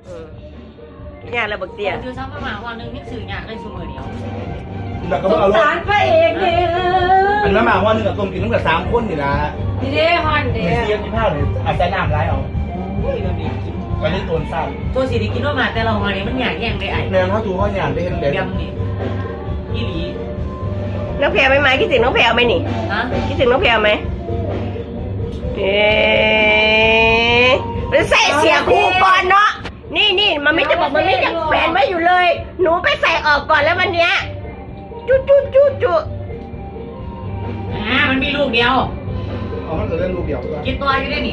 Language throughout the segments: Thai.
งานระเบิดเตี้ยคือซ้ำประมาณวันนึงนี่สื่ออยากได้ชั่วโมงเดียวแล้วก็สงเอารถสารพระเอกเนี่ยอันนั้นมาว่านึงกับต้มกินตั้งแต่3 คนนี่นะดีเด้ฮอนเด้มีเสียกินข้าวเลยอาจจะน้ำร้ายเอาอุ้ยแบบนี้กินวันนี้ตัวสั้นตัวสีที่กินว่ามาแต่เรามาเนี่ยมันอยากแย่งได้ไอ้แนวเท่าตัวเขาอย่างได้เห็นเด็ดยำนี่อีหลีน้องแพรไม่มาคิดถึงน้องแพรไหมนี่ฮะคิดถึงน้องแพรไหมมันใส่เสียคู่ก่อนเนาะนี่มันไม่จะบอกมันไม่จะแขวนไว้อยู่เลย หนูไปใส่ออกก่อนแล้ววันเนี้ยจุมันมีลูกเดียวเอามันเกิดเรื่องรูปเดียวก็กินตัวอยู่ได้นี่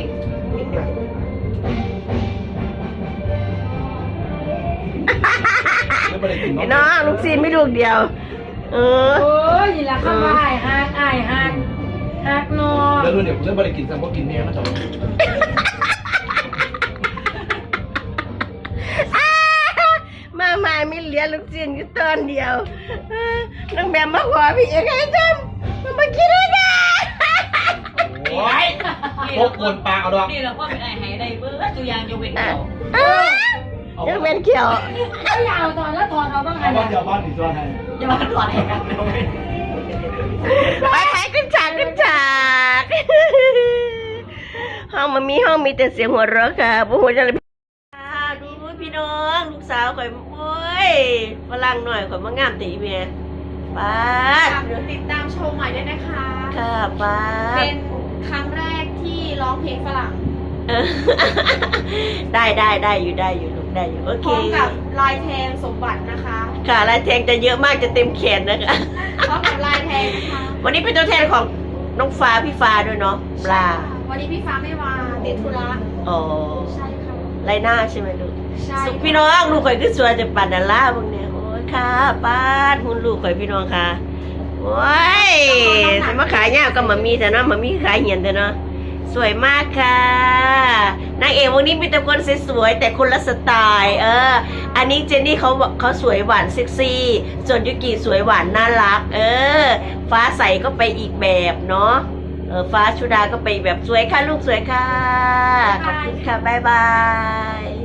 ไม่ไปได้กินไอ้เนาะน้องลูกซีนไม่ลูกเดียวโอ้ยนี่แหละเข้ามาไอ้ฮักนอแล้วรุ่นเดี๋ยวผมจะไปได้กินแต่พวกกินเนี่ยนะจ๊ะมามีเหลือลูกซีนอยู่ตอนเดียวน้องแบมมาขอพี่เอกให้ทำมันมาคิดด้วยกันโอ้ยพวกคนปลาเอาดอกนี่เราก็เป็นไอ้ไฮได้เบิร์ดตัวยางจะเป็นเดียวยังเป็นเขียวก็ยาวตอนแล้วถอดเอาบ้างไงเอาบ้านเดียวบ้านอีกตัวให้จะมาถอดให้กันเลยไปขึ้นฉากห้องมันมีห้องมีแต่เสียงหัวเราะค่ะพวกหัวจะเลยดูพี่น้องลูกสาวข่อยโอ้ยฝรั่งหน่อยข่อยมางามตีเมียป้าดเดี๋ยวติดตามชมใหม่ด้วยนะคะค่ะป้าดเป็นครั้งแรกที่ร้องเพลงฝรั่งเออได้อยู่ลูกได้อยู่โอพเคร้อมกับลายแทงสมบัตินะคะค่ะลายแทงจะเยอะมากจะเต็มแขนนะคะพร้อมกับลายแทงนะคะวันนี้เป็นตัวแทนของน้องฟ้าพี่ฟ้าด้วยเนาะปลาวันนี้พี่ฟ้าไม่มาติดธุระอ๋อใช่ค่ะไรหน้าใช่ไหมลูกใช่สุขพี่น้องลูกข่อยคือสวยจะปัดดาล่าพวกเนี้ยโอ้ยค่ะป้าดหุ่นลูกข่อยพี่น้องค่ะโอ้ยสมาขายเนี่ยก็มามีแต่เนาะมามีขายเหียนแต่เนาะสวยมากค่ะนางเอกวันนี้มีแต่คนสวยๆแต่คนละสไตล์อันนี้เจนนี่เขาสวยหวานเซ็กซี่ส่วนยุกิสวยหวานน่ารักฟ้าใสก็ไปอีกแบบเนาะฟ้าชุดาก็ไปแบบสวยค่ะลูกสวยค่ะขอบคุณค่ะบ๊ายบาย